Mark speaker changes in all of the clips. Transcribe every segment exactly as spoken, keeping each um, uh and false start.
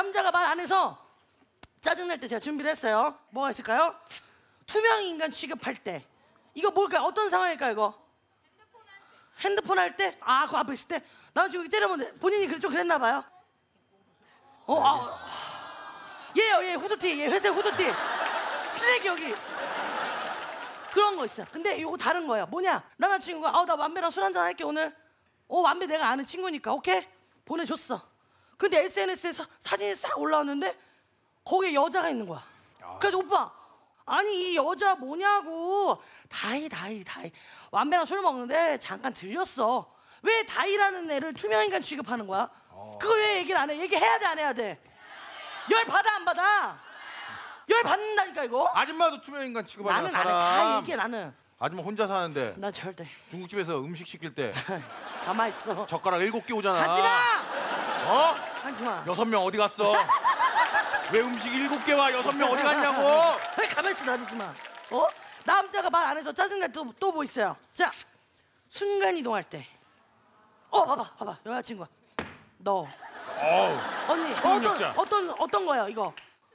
Speaker 1: 남자가 말 안 해서 짜증날 때 제가 준비를 했어요. 뭐가 있을까요? 투명 인간 취급할 때. 이거 뭘까요? 어떤 상황일까요, 이거? 핸드폰 할 때? 아, 그 앞에 있을 때? 나 지금 때려보는데 본인이 좀 그랬나 봐요. 어, 아, 얘요, 얘 후드티, 얘 회색 후드티. 쓰레기 여기. 그런 거 있어요. 근데 이거 다른 거예요. 뭐냐? 남자친구가 아, 나 완배랑 술 한잔 할게 오늘. 어, 완배 내가 아는 친구니까 오케이? 보내줬어. 근데 에스엔에스에 사, 사진이 싹 올라왔는데 거기에 여자가 있는 거야. 그래서 오빠, 아니 이 여자 뭐냐고. 다이 다이 다이 완배랑 술 먹는데 잠깐 들렸어. 왜 다이라는 애를 투명인간 취급하는 거야? 어. 그거 왜 얘기를 안 해? 얘기해야 돼 안 해야 돼? 열 받아 안 받아? 열 받는다니까 이거.
Speaker 2: 아줌마도 투명인간 취급하잖아.
Speaker 1: 나는 안 해. 다 얘기해 나는.
Speaker 2: 아줌마 혼자 사는데
Speaker 1: 난 절대.
Speaker 2: 중국집에서 음식 시킬 때
Speaker 1: 가만 있어.
Speaker 2: 젓가락 일곱 개 오잖아.
Speaker 1: 하지마.
Speaker 2: 어?
Speaker 1: 하지마.
Speaker 2: 여섯 명 어디 갔어? 왜 음식 일곱 개 와? 여섯 명 어디 갔냐고?
Speaker 1: 왜 가만 있어 놔두지마. 어? 남자가 말 안 해서 짜증날 때 또 뭐 있어요? 자, 순간 이동할 때. 어, 봐봐, 봐봐, 여자친구가. 너.
Speaker 2: 어우,
Speaker 1: 언니,
Speaker 2: 초능력자.
Speaker 1: 어떤 어떤 어떤 거야 이거?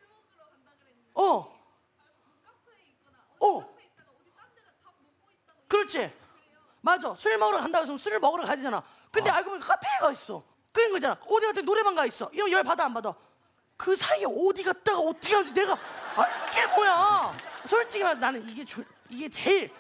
Speaker 1: 어. 어. 그렇지. 맞아. 술 먹으러 간다고 해서 술을 먹으러 가잖아. 근데
Speaker 2: 어.
Speaker 1: 알고 보니까 카페에 가 있어. 그런 거잖아. 어디 갔더니 노래방 가 있어. 이거 열 받아 안 받아? 그 사이에 어디 갔다가 어떻게 하는지 내가 알게 뭐야. 솔직히 말해서 나는 이게 조, 이게 제일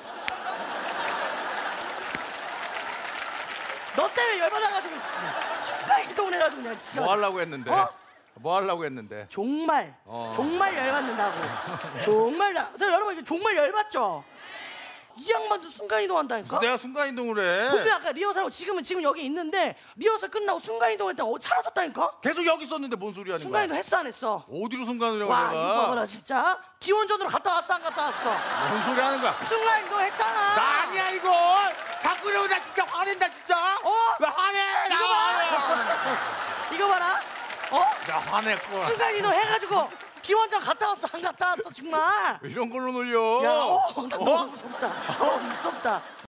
Speaker 1: 너 때문에 열받아가지고 순간 이동을 해가지고 그냥 지가
Speaker 2: 뭐 하려고 했는데?
Speaker 1: 어?
Speaker 2: 뭐 하려고 했는데?
Speaker 1: 정말
Speaker 2: 어.
Speaker 1: 정말 열받는다고. 정말 나 그래서 여러분 이거 정말 열받죠? 이 양반도 순간 이동한다니까?
Speaker 2: 내가 순간 이동을 해.
Speaker 1: 근데 아까 리허설하고 지금은 지금 여기 있는데 리허설 끝나고 순간 이동했다가 어, 사라졌다니까?
Speaker 2: 계속 여기 있었는데 뭔 소리 하는
Speaker 1: 순간
Speaker 2: 거야?
Speaker 1: 이동 했어 안 했어?
Speaker 2: 어디로 순간 이동을
Speaker 1: 와
Speaker 2: 내가?
Speaker 1: 이거 봐봐라 진짜 기원전으로 갔다 왔어 안 갔다 왔어?
Speaker 2: 뭔 소리 하는 거야?
Speaker 1: 순간 이동 했잖아.
Speaker 2: 나 아니야 이거. 자꾸 이러면 나 진짜 화낸다 진짜.
Speaker 1: 어?
Speaker 2: 왜 화내? 나
Speaker 1: 이거
Speaker 2: 화내.
Speaker 1: 봐라. 이거 봐라. 어?
Speaker 2: 나 화냈고.
Speaker 1: 순간 이동 해가지고 기원전 갔다 왔어 안 갔다 왔어 정말.
Speaker 2: 이런 걸로 놀려.
Speaker 1: 야, 어, 나 너무 무섭다. 어, 무섭다.